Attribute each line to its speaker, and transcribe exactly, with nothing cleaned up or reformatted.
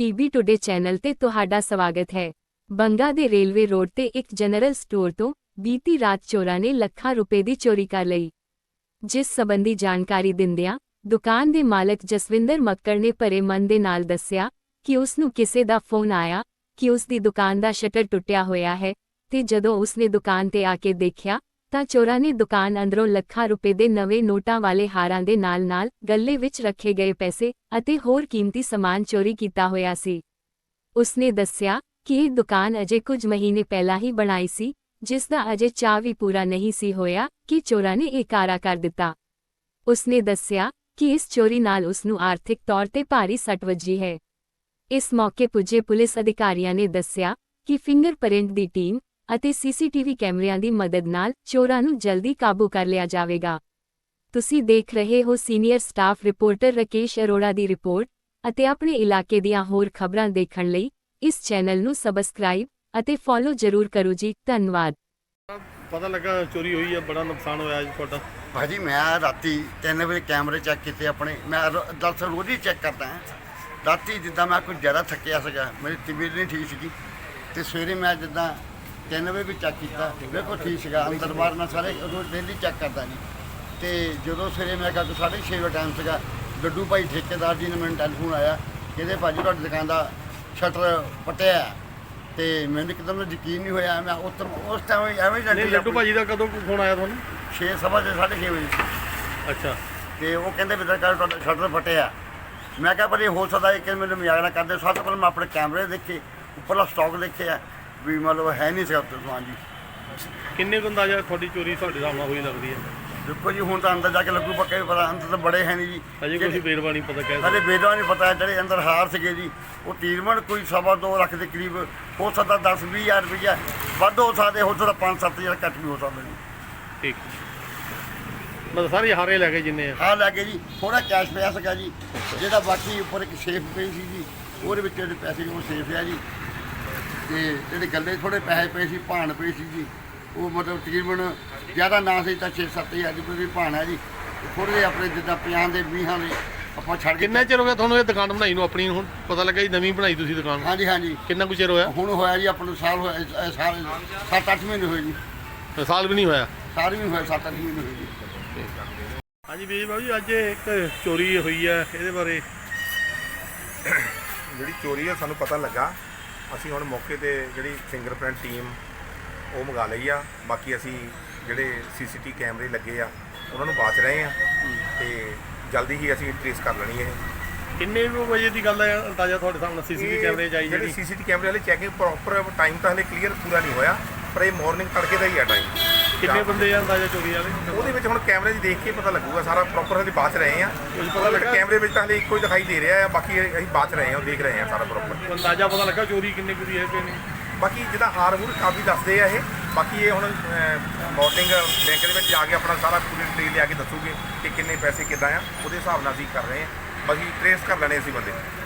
Speaker 1: PB today channel ਤੇ ਤੁਹਾਡਾ ਸਵਾਗਤ ਹੈ। ਬੰਗਾ ਦੇ ਰੇਲਵੇ ਰੋਡ ਤੇ ਇੱਕ ਜਨਰਲ ਸਟੋਰ ਤੋਂ ਬੀਤੀ ਰਾਤ ਚੋਰਾਂ ਨੇ ਲੱਖਾਂ ਰੁਪਏ ਦੀ ਚੋਰੀ ਕਰ ਲਈ। ਜਿਸ ਸੰਬੰਧੀ ਜਾਣਕਾਰੀ ਦਿੰਦਿਆਂ ਦੁਕਾਨ ਦੇ ਮਾਲਕ ਜਸਵਿੰਦਰ ਮੱਕੜ ਨੇ ਭਰੇ ਮਨ ਦੇ ਨਾਲ ਦੱਸਿਆ ਕਿ ਉਸ ਨੂੰ ਕਿਸੇ ਦਾ ਫੋਨ ਆਇਆ ਕਿ ਉਸ ਦੀ ਦੁਕਾਨ ਦਾ ਸ਼ਟਰ ਟੁੱਟਿਆ ਹੋਇਆ ਹੈ ਤੇ ਜਦੋਂ ਉਸਨੇ ਦੁਕਾਨ ਤੇ ਆ ਕੇ ਦੇਖਿਆ ਤਾਂ ਚੋਰਾਂ ਨੇ ਦੁਕਾਨ ਅੰਦਰੋਂ ਲੱਖਾਂ ਰੁਪਏ ਦੇ ਨਵੇਂ ਨੋਟਾਂ ਵਾਲੇ ਹਾਰਾਂ ਦੇ ਨਾਲ-ਨਾਲ ਗੱਲੇ ਵਿੱਚ ਰੱਖੇ ਗਏ ਪੈਸੇ ਅਤੇ ਹੋਰ ਕੀਮਤੀ ਸਮਾਨ ਚੋਰੀ ਕੀਤਾ ਹੋਇਆ ਸੀ। ਉਸਨੇ ਦੱਸਿਆ ਕਿ ਇਹ ਦੁਕਾਨ ਅਜੇ ਕੁਝ ਮਹੀਨੇ ਪਹਿਲਾਂ ਹੀ ਬਣਾਈ ਸੀ, ਜਿਸ ਦਾ ਅਜੇ ਚਾਅ ਵੀ ਪੂਰਾ ਨਹੀਂ ਸੀ ਹੋਇਆ ਕਿ ਚੋਰਾਂ ਨੇ ਇਹ ਕਾਰਾ ਕਰ ਦਿੱਤਾ। ਉਸਨੇ ਦੱਸਿਆ ਕਿ ਇਸ ਚੋਰੀ ਨਾਲ ਉਸ ਨੂੰ ਆਰਥਿਕ ਤੌਰ ਤੇ ਭਾਰੀ ਸੱਟ ਵੱਜੀ ਹੈ। ਇਸ ਮੌਕੇ ਪੁੱਜੇ ਪੁਲਿਸ ਅਧਿਕਾਰੀਆਂ ਨੇ ਦੱਸਿਆ ਕਿ ਫਿੰਗਰਪ੍ਰਿੰਟ ਦੀ ਟੀਮ ਅਤੇ ਸੀਸੀਟੀਵੀ ਕੈਮਰਿਆਂ ਦੀ ਮਦਦ ਨਾਲ ਚੋਰਾਂ ਨੂੰ ਜਲਦੀ ਕਾਬੂ ਕਰ ਲਿਆ ਜਾਵੇਗਾ। ਤੁਸੀਂ ਦੇਖ ਰਹੇ ਹੋ senior staff reporter Rakesh Arora ਦੀ ਰਿਪੋਰਟ ਅਤੇ ਆਪਣੇ ਇਲਾਕੇ ਦੀਆਂ ਹੋਰ ਖਬਰਾਂ ਦੇਖਣ ਲਈ ਇਸ ਚੈਨਲ ਨੂੰ ਸਬਸਕ੍ਰਾਈਬ ਅਤੇ ਫੋਲੋ ਜ਼ਰੂਰ ਕਰੋ ਜੀ। ਧੰਨਵਾਦ।
Speaker 2: ਪਤਾ ਲੱਗਾ ਚੋਰੀ ਹੋਈ ਹੈ, ਬੜਾ ਨੁਕਸਾਨ ਹੋਇਆ ਜੀ ਤੁਹਾਡਾ।
Speaker 3: ਭਾਜੀ ਮੈਂ ਰਾਤੀ ਤਿੰਨ ਵਜੇ ਕੈਮਰੇ ਚੈੱਕ ਕੀਤੇ ਆਪਣੇ। ਮੈਂ ਦਰਅਸਲ ਰੋਜ਼ ਹੀ ਚੈੱਕ ਕਰਦਾ ਹਾਂ। ਰਾਤੀ ਜਿੱਦਾਂ ਮੈਂ ਕੁਝ ਜ਼ਿਆਦਾ ਥੱਕਿਆ ਸੀਗਾ, ਮੇਰੀ ਤਬੀਅਤ ਨਹੀਂ ਠੀਕ ਸੀਗੀ ਅਤੇ ਸਵੇਰੇ ਮੈਂ ਜਿੱਦਾਂ ਤਿੰਨ ਵਜੇ ਵੀ ਚੈੱਕ ਕੀਤਾ, ਬਿਲਕੁਲ ਠੀਕ ਸੀਗਾ। ਅੰਦਰ ਬਾਹਰ ਮੈਂ ਸਾਰੇ ਰੋਜ਼ ਡੇਲੀ ਚੈੱਕ ਕਰਦਾ ਜੀ। ਅਤੇ ਜਦੋਂ ਸਵੇਰੇ ਮੈਂ ਕਿਹਾ ਸਾਢੇ ਛੇ ਵਜੇ ਟਾਈਮ ਸੀਗਾ, ਲੱਡੂ ਭਾਈ ਠੇਕੇਦਾਰ ਜੀ ਨੇ ਮੈਨੂੰ ਟੈਲੀਫੋਨ ਆਇਆ, ਕਹਿੰਦੇ ਭਾਜੀ ਤੁਹਾਡੀ ਦੁਕਾਨ ਦਾ ਸ਼ਟਰ ਪੱਟਿਆ। ਅਤੇ ਮੈਨੂੰ ਇੱਕਦਮ ਯਕੀਨ ਨਹੀਂ ਹੋਇਆ। ਮੈਂ ਉਸ ਉਸ ਟਾਈਮ ਐਵੇਂ
Speaker 2: ਨਹੀਂ, ਲੱਡੂ ਭਾਜੀ ਦਾ ਕਦੋਂ ਫੋਨ ਆਇਆ ਤੁਹਾਨੂੰ?
Speaker 3: ਛੇ ਸਵਾ ਛੇ ਸਾਢੇ ਛੇ ਵਜੇ।
Speaker 2: ਅੱਛਾ।
Speaker 3: ਅਤੇ ਉਹ ਕਹਿੰਦੇ ਵੀ ਤੁਹਾਡਾ ਸ਼ਟਰ ਫਟਿਆ। ਮੈਂ ਕਿਹਾ ਪਰ ਇਹ ਹੋ ਸਕਦਾ ਹੈ ਕਿ ਮੈਨੂੰ ਮਜ਼ਾਕ ਨਾ ਕਰਦੇ। ਸਭ ਤੋਂ ਪਹਿਲਾਂ ਮੈਂ ਆਪਣੇ ਕੈਮਰੇ ਦੇਖੇ, ਉੱਪਰਲਾ ਸਟਾਕ ਦੇਖਿਆ ਵੀ ਮਤਲਬ ਹੈ ਨਹੀਂ ਸੀ ਉੱਥੇ ਸਮਾਨ ਜੀ।
Speaker 2: ਕਿੰਨੇ ਕੁ ਅੰਦਾਜ਼ਾ ਤੁਹਾਡੀ ਚੋਰੀ ਤੁਹਾਡੇ ਹਿਸਾਬ ਨਾਲ ਹੋਈ ਲੱਗਦੀ ਹੈ?
Speaker 3: ਦੇਖੋ ਜੀ ਹੁਣ ਤਾਂ ਅੰਦਰ ਜਾ ਕੇ ਲੱਗੂ ਪੱਕਾ ਵੀ ਪਤਾ, ਅੰਦਰ ਤਾਂ ਬੜੇ ਹੈ ਨਹੀਂ ਜੀ।
Speaker 2: ਅਜੇ ਕੋਈ ਬੇਰਵਾ ਨਹੀਂ ਪਤਾ ਕਹਿ
Speaker 3: ਹਜੇ ਬੇਦਵਾ ਨਹੀਂ ਪਤਾ। ਜਿਹੜੇ ਅੰਦਰ ਹਾਰ ਸੀਗੇ ਜੀ ਉਹ ਤਕਰੀਬਨ ਕੋਈ ਸਵਾ ਦੋ ਲੱਖ ਦੇ ਕਰੀਬ ਹੋ ਸਕਦਾ। ਦਸ ਵੀਹ ਹਜ਼ਾਰ ਰੁਪਈਆ ਵੱਧ ਹੋ ਸਕਦੇ, ਹੋ ਸਕਦਾ ਪੰਜ ਸੱਤ ਹਜ਼ਾਰ ਘੱਟ ਵੀ ਹੋ ਸਕਦਾ ਜੀ।
Speaker 2: ਠੀਕ, ਮਤਲਬ ਸਾਰੇ ਹਾਰੇ ਲੈ ਕੇ ਜਿੰਨੇ ਆ?
Speaker 3: ਹਾਂ ਲੈ ਕੇ ਜੀ। ਥੋੜ੍ਹਾ ਕੈਸ਼ ਪਿਆ ਸੀਗਾ ਜੀ, ਜਿਹਦਾ ਬਾਕੀ ਉੱਪਰ ਇੱਕ ਸੇਫ ਪਈ ਸੀ ਜੀ, ਉਹਦੇ ਵਿੱਚ ਜਿਹੜੇ ਪੈਸੇ ਉਹ ਸੇਫ ਆ ਜੀ। ਅਤੇ ਜਿਹੜੇ ਗੱਲੇ ਥੋੜ੍ਹੇ ਪੈਸੇ ਪਏ ਸੀ, ਭਾਣ ਪਈ ਸੀ ਜੀ, ਉਹ ਮਤਲਬ ਤਕਰੀਬਨ ਜ਼ਿਆਦਾ ਨਾ ਸੀ ਤਾਂ ਛੇ ਸੱਤ ਹਜ਼ਾਰ ਦੀ ਭਾਣ ਹੈ ਜੀ। ਥੋੜ੍ਹੇ ਜਿਹੇ ਆਪਣੇ ਜਿੱਦਾਂ ਪੰਜਾਹ ਦੇ ਵੀਹਾਂ ਦੇ ਆਪਾਂ ਛੱਡ ਕੇ।
Speaker 2: ਕਿੰਨਾ ਚਿਰ ਹੋ ਗਿਆ ਤੁਹਾਨੂੰ ਇਹ ਦੁਕਾਨ ਬਣਾਈ ਨੂੰ ਆਪਣੀ? ਹੁਣ ਪਤਾ ਲੱਗਾ ਜੀ ਨਵੀਂ ਬਣਾਈ ਤੁਸੀਂ ਦੁਕਾਨ?
Speaker 3: ਹਾਂਜੀ ਹਾਂਜੀ।
Speaker 2: ਕਿੰਨਾ ਕੁ ਚਿਰ ਹੋਇਆ?
Speaker 3: ਹੁਣ ਹੋਇਆ ਜੀ ਆਪਾਂ ਨੂੰ ਸਾਲ ਹੋਇਆ, ਸਾਲ ਸੱਤ ਅੱਠ ਮਹੀਨੇ ਹੋਏ ਜੀ।
Speaker 2: ਸਾਲ ਵੀ ਨਹੀਂ ਹੋਇਆ?
Speaker 3: ਸਾਲ ਵੀ ਹੋਇਆ, ਸੱਤ ਅੱਠ ਮਹੀਨੇ ਹੋਏ ਜੀ।
Speaker 2: ਹਾਂਜੀ ਬੀਜ ਬਾਬੂ ਜੀ, ਅੱਜ ਇੱਕ ਚੋਰੀ ਹੋਈ ਹੈ, ਇਹਦੇ ਬਾਰੇ?
Speaker 4: ਜਿਹੜੀ ਚੋਰੀ ਹੈ ਸਾਨੂੰ ਪਤਾ ਲੱਗਾ। ਅਸੀਂ ਹੁਣ ਮੌਕੇ 'ਤੇ ਜਿਹੜੀ ਫਿੰਗਰਪ੍ਰਿੰਟ ਟੀਮ ਉਹ ਮੰਗਾ ਲਈ ਆ। ਬਾਕੀ ਅਸੀਂ ਜਿਹੜੇ ਸੀਸੀਟੀ ਕੈਮਰੇ ਲੱਗੇ ਆ ਉਹਨਾਂ ਨੂੰ ਬਾਚ ਰਹੇ ਆ ਅਤੇ ਜਲਦੀ ਹੀ ਅਸੀਂ ਟ੍ਰੇਸ ਕਰ ਲੈਣੀ ਇਹ।
Speaker 2: ਕਿੰਨੇ ਕੁ ਵਜੇ ਦੀ ਗੱਲ ਹੈ ਅੰਦਾਜ਼ਾ ਤੁਹਾਡੇ ਸਾਹਮਣੇ ਸੀਸੀਟੀ ਕੈਮਰੇ ਚਾਹੀਦੇ?
Speaker 4: ਜਿਹੜੀ ਸੀਸੀਟੀ ਕੈਮਰੇ ਵਾਲੇ ਚੈਕਿੰਗ ਪ੍ਰੋਪਰ ਟਾਈਮ ਤਾਂ ਹਲੇ ਕਲੀਅਰ ਪੂਰਾ ਨਹੀਂ ਹੋਇਆ, ਪਰ ਇਹ ਮਾਰਨਿੰਗ ਤੜਕੇ ਦਾ ਹੀ ਆ ਟਾਈਮ।
Speaker 2: ਕਿੰਨੇ ਬੰਦੇ ਆ ਅੰਦਾਜ਼ਾ ਚੋਰੀ ਵਾਲੇ?
Speaker 4: ਉਹਦੇ ਵਿੱਚ ਹੁਣ ਕੈਮਰੇ 'ਚ ਦੇਖ ਕੇ ਪਤਾ ਲੱਗੂਗਾ ਸਾਰਾ। ਪ੍ਰੋਪਰ ਹਲੇ ਬਾਚ ਰਹੇ ਆ।
Speaker 2: ਪਤਾ ਲੱਗਾ
Speaker 4: ਕੈਮਰੇ ਵਿੱਚ ਤਾਂ ਹਲੇ ਇੱਕੋ ਹੀ ਦਿਖਾਈ ਦੇ ਰਿਹਾ ਆ, ਬਾਕੀ ਅਸੀਂ ਬਾਚ ਰਹੇ ਆ, ਦੇਖ ਰਹੇ ਆ ਸਾਰਾ ਪ੍ਰੋਪਰ।
Speaker 2: ਅੰਦਾਜ਼ਾ ਪਤਾ ਲੱਗਾ ਚੋਰੀ ਕਿੰਨੇ ਕੁ ਦੀ ਹੈ ਕਿ ਨਹੀਂ?
Speaker 4: ਬਾਕੀ ਜਿੱਦਾਂ ਹਾਰ ਹੂਰ ਕਾਫੀ ਦੱਸਦੇ ਆ ਇਹ। ਬਾਕੀ ਇਹ ਹੁਣ ਮਾਰਨਿੰਗ ਬੈਂਕ ਦੇ ਵਿੱਚ ਜਾ ਕੇ ਆਪਣਾ ਸਾਰਾ ਪੂਰੀ ਡਿਟੇਲ ਲਿਆ ਕੇ ਦੱਸੂਗੇ ਕਿ ਕਿੰਨੇ ਪੈਸੇ ਕਿੱਦਾਂ ਆ, ਉਹਦੇ ਹਿਸਾਬ ਨਾਲ ਅਸੀਂ ਕਰ ਰਹੇ ਹਾਂ। ਬਾਕੀ ਟਰੇਸ ਕਰ ਲੈਣੇ ਅਸੀਂ ਬੰਦੇ।